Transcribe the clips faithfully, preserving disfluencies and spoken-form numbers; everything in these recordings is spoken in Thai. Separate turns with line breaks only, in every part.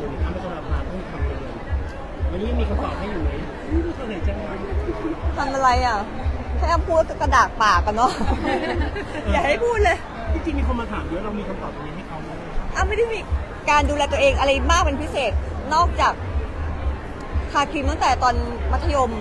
ส่วนหนึ่งอ้ำไม่ต้องรับงานต้องทำเลยวันนี้มีคำตอบให้อยู่ไหมไม่ตัวไหนจะมา
ทำอะไรอ่ะแค่พูดก็กระดากปากกันเนาะ อย่าให้พูดเลย
จริงๆมีคนมาถามเยอะเรามีคำตอบตรงนี้ให้เขาไหม
อ้ำไม่ได้มีการดูแลตัวเองอะไรมากเป็นพิเศษนอกจากทาครีมตั้งแต่ตอนมัธยม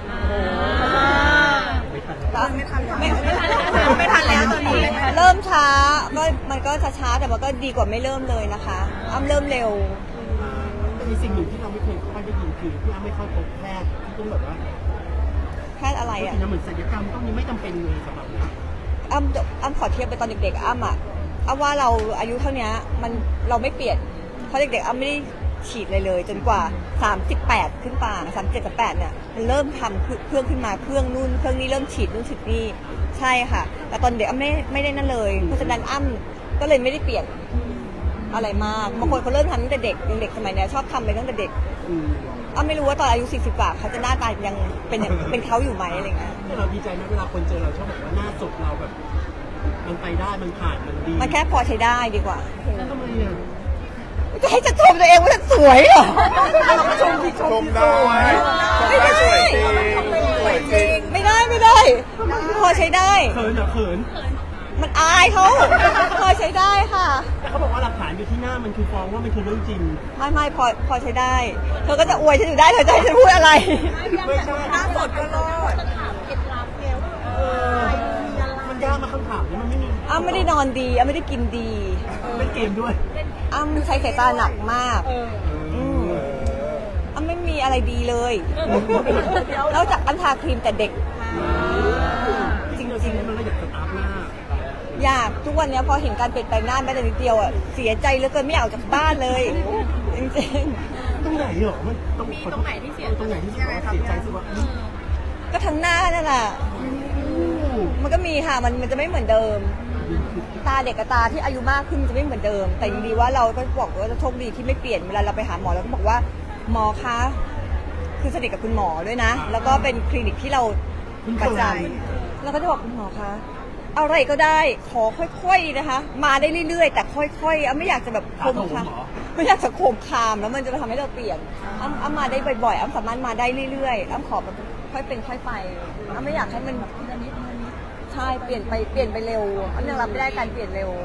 ไม่ทัน
ไม่ไม่ทันไม่ทันแล้วตอนนี้เริ่มช้าก็มันก็ช้าๆแต่มันก็ดีกว่าไม่เริ่มเลยนะคะอ้ำเริ่มเร็ว
มีสิ่งหนึ่งที่เราไม่เคยค่อยได้ยินคือพี่อ้ำไม่ค่อยพบแพทย์ที่ต้องแบบว่า
แพทย์อะไร
จริ
อ่ะ
งๆเหมือนศัลยกรรมต้องมีไม่จำเป็นเลยสำหรับนะ
อ้ำอ้ำขอเทียบไปตอนเด็กๆอ้ำอ่ะอ้ำว่าเราอายุเท่านี้มันเราไม่เปลี่ยนเพราะเด็กๆอ้ำไม่ได้ฉีดเลยเลยจนกว่าสามสิบแปดขึ้นป่าสามสิบเจ็ดกับแปดเนี่ยมันเริ่มทำเครื่องขึ้นมาเครื่องนู่นเครื่องนี้เริ่มฉีดนู่นฉีดนี่ใช่ค่ะแต่ตอนเด็กอ้ำไม่ไม่ได้นั่นเลยเพราะฉะนั้นอ้ำก็เลยไม่ได้เปลี่ยนอะไรมากบางคนเขาเริ่มทำตั้งแต่เด็กเด็กสมัยนี้ชอบทำไปตั้งแต่เด็ก
อืม
อ้ำไม่รู้ว่าตอนอายุสี่สิบกว่าเขาจะหน้าตายังเป็นอย่างเป็นเขาอยู่ไหมอะไรเงี้ย
เราดีใจไหมเวลาคนเจอเราชอบบอกว่าหน้าสดเราแบบ มันไปได้มันผ่านมันดี
มันแค่พอใช้ได้ดีกว่า
แล้วทำไมอ่ะ
จะให้จะชมตัวเองว่าฉันสวยเหรอ
เราก็ชมที่ช
ช
ม
ม
ที่
ได้
สวย
ชมได้สวยจริงสวยจริง
ไม่ได้ไม่ได้ พอใช้ได้
เขินเหรอเขิน
มันอายเขาพอใช้ได้ค่ะ
แต่เขาบอกว่าหลักฐานอยู่ที่หน้ามันคือฟ้องว่ามันคือเรื่องจริง
ไม่ไม่พอพอใช้ได้ เธอก็จะอวยฉันอยู่ได้เธอจะให้ฉันพูดอะไร
ไม่ใช่
หน้าสดก็รอด
เออมันยากมาคำถามนี้มันไม่มี
อ้ำไม่ได้นอนดีอ้ำไม่ได้กินดี
เล่นเกมด้วย
อ้ำใช้สายตาหนักมาก อืมอ้ำไม่มีอะไรดีเลยนอกจากอ้ำทาครีมแต่เด็ก
จริงๆเราชีวิตมันก็อยากสตาร์ทหน้า
อยากทุกวันนี้พอเห็นการเปลี่ยนแปลงหน้าแม้แต่นิดเดียวอ่ะเสียใจเหลือเกินไม่อยากออกจากบ้านเลย จริง
ตรงไหนเหรอมันตรงตรงไหนที่เสียตรงไหนที่เสียเสียใจสุดว่า
ๆก็ทั้งหน้านั่นแหละมันก็มีค่ะมันมันจะไม่เหมือนเดิม ตาเด็กกับตาที่อายุมากขึ้นมันจะไม่เหมือนเดิม แต่ยังดีว่าเราก็บอกว่าโชคดีที่ไม่เปลี่ยนเวลาเราไปหาหมอเราก็บอกว่าหมอคะคือสนิทกับคุณหมอด้วยนะ แล้วก็เป็นคลินิกที่เราประจำเราก็จะบอกคุณหมอคะอะไรก็ได้ขอค่อยๆนะคะ มาได้เรื่อยๆ แต่ค่อยๆอ้ำไม่อยากจะแบบโคมคามไม่อยากจะโคมคามแล้วมันจะทำให้เราเปลี่ยนอ้ำอ้ำมาได้บ่อยๆอ้ำสามารถมาได้เรื่อยๆอ้ำขอแบบค่อยเป็นค่อยไปอ้ำไม่อยากให้มันแบบนิดๆใช่เปลี่ยนไปเปลี่ยนไปเร็วอ้ำยังรับไม่ได้การเปลี่ยนเร็ว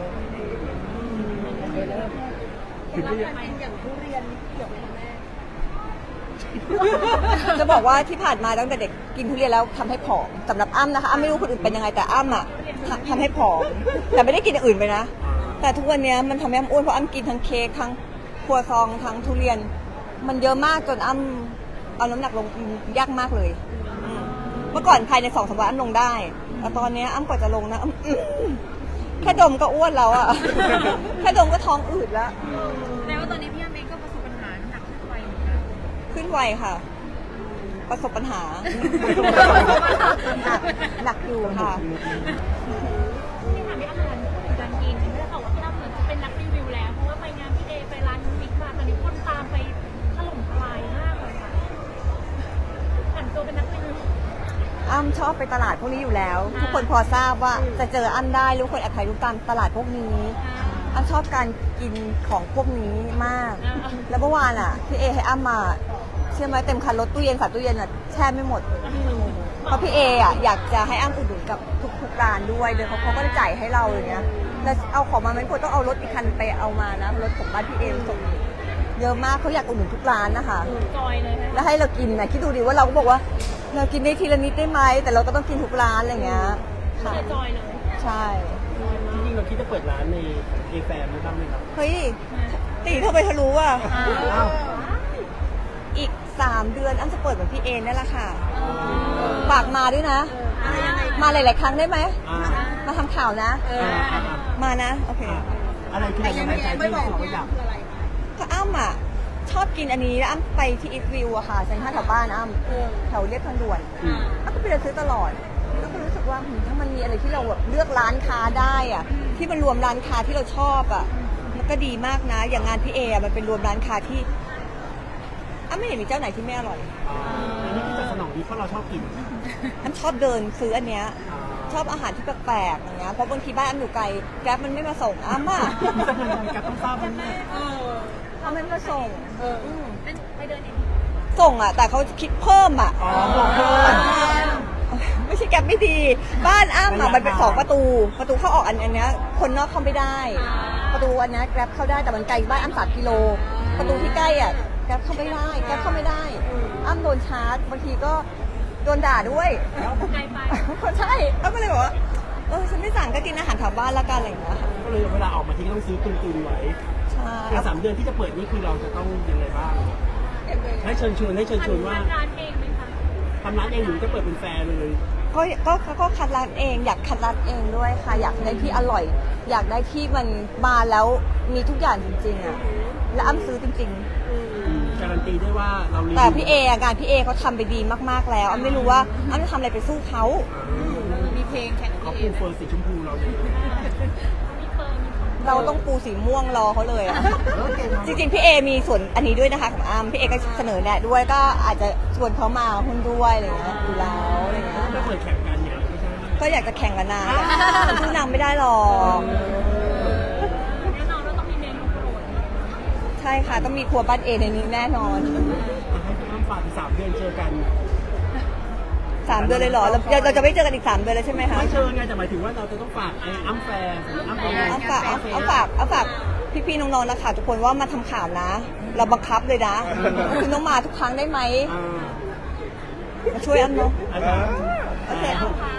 ถึงจะ
จะบอกว่าที่ผ่านมาตั้งแต่เด็กกินทุเรียนแล้วทำให้ผอมสำหรับอ้ำนะคะอ้ำไม่รู้คนอื่นเป็นยังไงแต่อ้ำอ่ะทำทำให้ผอมแต่ไม่ได้กินอย่างอื่นไปนะ แต่ทุกวันนี้มันทำให้อ้ำอ้วนเพราะอ้ำกินทั้งเค้กทั้งครัวซองทั้งทุเรียน มันเยอะมากจนอ้ำเอาน้ำหนักลงยากมากเลยอืมเมื่อก่อนภายในสองสามวันอ้ำลงได้แต่ตอนนี้อ้ำกว่าจะลงนะอ้ำอื้อแค่ดมก็อ้วนแล้วอ่ะ แค่ดมก็ท้องอืดแล้ว
แม้ว่าตอนนี้พี่อ้ำเองก็ประสบปัญหาน้ำหนักขึ้นไปเหมือนกัน
ขึ้นไวค่ะ ประสบปัญหา หนักหนักอยู่ค่ะ
ที่ถามพี่อ้ำเหมือนการกินไม่ได้บอกว่าพี่อ้ำเหมือนจะเป็นนักรีวิวแล้วเพราะว่าไปงานพี่เอไปร้านมิกมาตอนนี้คนตามไปถล่มทลายมากเลยค่ะผันตัวเป็นนักรีวิว
อ้ำชอบไปตลาดพวกนี้อยู่แล้ว ทุกคนพอทราบว่าจะเจออ้ำได้รู้คนแอบถ่ายรูปตามตลาดพวกนี้อ้ำชอบการกินของพวกนี้มาก แล้วเมื่อวานอ่ะพี่เอให้อ้ำมาเชื่อไหมเต็มคันรถตู้เย็นฝาตู้เย็นอ่ะแช่ไม่หมด เพราะพี่เออ่ะอยากจะให้อ้ำอุดหนุนกับทุกๆร้านด้วยโดยเขาเขาก็จะจ่ายให้เราอย่างเงี้ยแล้วเอาของมาไม่ควรต้องเอารถอีกคันไปเอามานะรถของบ้านพี่เอส่งเยอะมากเขาอยากอุดหนุนทุกร้านนะคะ
จอยเลยนะ
แล้วให้เรากินนะคิดดูดิว่าเราก็บอกว่าเรากินได้ทีละนิดได้ไหมแต่เราก็ต้องกินทุกร้านอะไรเงี้ยค่ะ
คือจอยเลย
ใช่
จริงๆเราคิดจะเปิดร้านในเอแฟมบ้างไหมครับ
เฮ้ยตีเธอไปทะลุอ่ะ
อ้าว
อีกสามเดือนอ้ำจะเปิดเหมือนพี่เอ็นนั่นแหละค่ะฝากมาด้วยนะ มาหลายๆครั้งได้ไหม
อ่า
มาทำข่าวนะ
อ่าอ่าอ่า
มานะโอเค
อะไรคือแรงบันดาลใจที่รู้สึกว่าอยาก
ก็อ้ำอ่ะชอบกินอันนี้แล้วอ้ำไปที่อีทวิวอะค่ะเซ็นทรัลแถวบ้านอ้ำแถวเรียบทางด่วน
อืม
อ้ำก็ไปเดินซื้อตลอดแล้วก็รู้สึกว่าหืมถ้ามันมีอะไรที่เราแบบเลือกร้านค้าได้อ่ะที่มันรวมร้านค้าที่เราชอบอ่ะมันก็ดีมากนะ อย่างงานพี่เออะมันเป็นรวมร้านค้าที่อ้ำไม่เห็นมีเจ้าไหนที่ไม่อร่อย
อ่าอันนี้คือจะสนองดีเพราะเราชอบกิน
อ้ำชอบเดินซื้ออันเนี้ย
อ่า
ชอบอาหารที่แปลกๆอย่างเงี้ยเพราะบางทีบ้านอ้ำอยู่ไกลแกร็บมันไม่มาส่งอ้ำอ่ะ
มีสักเงินการต้องทราบมันแน่
เออ
อ้ไม่มาส่งม
เป็นไปเดินเอง
ส่งอ่ะ แต่เขาคิดเพิ่มอ่ะ
อ๋อบอกเพิ่ม
ไม่ใช่แก๊ปไม่ดี บ้านอ้ำอ่ะมันเป็นสองประตู ประตูเข้าออกอันอันเนี้ยคนนอกเข้าไม่ได้ ประตูอันเนี้ยแกร็บเข้าได้แต่มันไกลบ้านอ้ำสามกิโล ประตูที่ใกล้อ่ะแกร็บเข้าไม่ได้แกร็บเข้าไม่ได้ อ้ำโดนชาร์จบางทีก็โดนด่าด้วย
ไกลไป
ใช่อ้ำก็เลยบอกว่าเออฉันไม่สั่งก็กินอาหารแถวบ้านละกันอะไรอย่างเงี้ยค่ะ
ก็เลยเวลาออกมาทิ้งต้องซื้อตุนๆไว้
ใช่
ในสามเดือนที่จะเปิดนี่คือเราจะต้องยังไงบ้างให้เชิญชวนให้เชิญชวนว่า
ทำร้านเองไหมคะ
ทำร้านเองหรือจะเปิดเป็นแฟร์เลย
ก็ก็ก็ก็คัดร้านเองอยากคัดร้านเองด้วยค่ะ อยากได้ที่อร่อย อยากได้ที่มันมาแล้วมีทุกอย่างจริงๆอ่ะและอ้ำซื้อจริง
การันตีได้ว่าเรารีวิว
ๆ แต่พี่เออะงานพี่เอเขาทำไปดีมากๆแล้วอ้ำไม่รู้ว่าอ้ำจะทำอะไรไปสู้เขา
มีเพลงแข่งกับ
เขา
พี่
ปู
เอ
เฟิร์นสีชมพูเราเนี่ย
มีเฟิร์มมีเฟิร์ม
เราต้องปูสีม่วงรอเขาเลยอ่ะ จริงๆพี่เอมีส่วนอันนี้ด้วยนะคะของอ้ำพี่เอก็เสนอแนะด้วยก็อาจจะชวนเขามาหุ้นด้วยอะไรอย่างเงี้ยอยู่แล้วอะไรอย่างเงี้ย
ก็เปิดแข่งกันเนี่ยไม่ใช่
ก็อยากจะแข่งกับนางแต่สู้นางไม่ได้หรอก
แน่นอนว่าต้องมีเมนูโปรด
ใช่ค่ะต้องมีครัวบ้านเอในนี้แน่นอน
ให้พี่อ้ำฝากอีกสามเดือนเจอกัน
สามเดือนเลยเหรอเราเราเราจะไม่เจอกันอีกสามเดือนเลยใช่ไหมคะ
ไม่เชิญไงแต่หมายถึงว่าเราจะต้องฝากไอ้อ้ำแฟร์อ้ำแฟร์
เอาฝากเอาเอาฝากเอาฝากพี่ๆน้องๆนะคะทุกคนว่ามาทำข่าวนะ เราบังคับเลยนะคุณต้องมาทุกครั้งได้ไหม
อ่า
มาช่วยอ้ำเนาะ
อาจารย์
โอเค
เอาค่ะ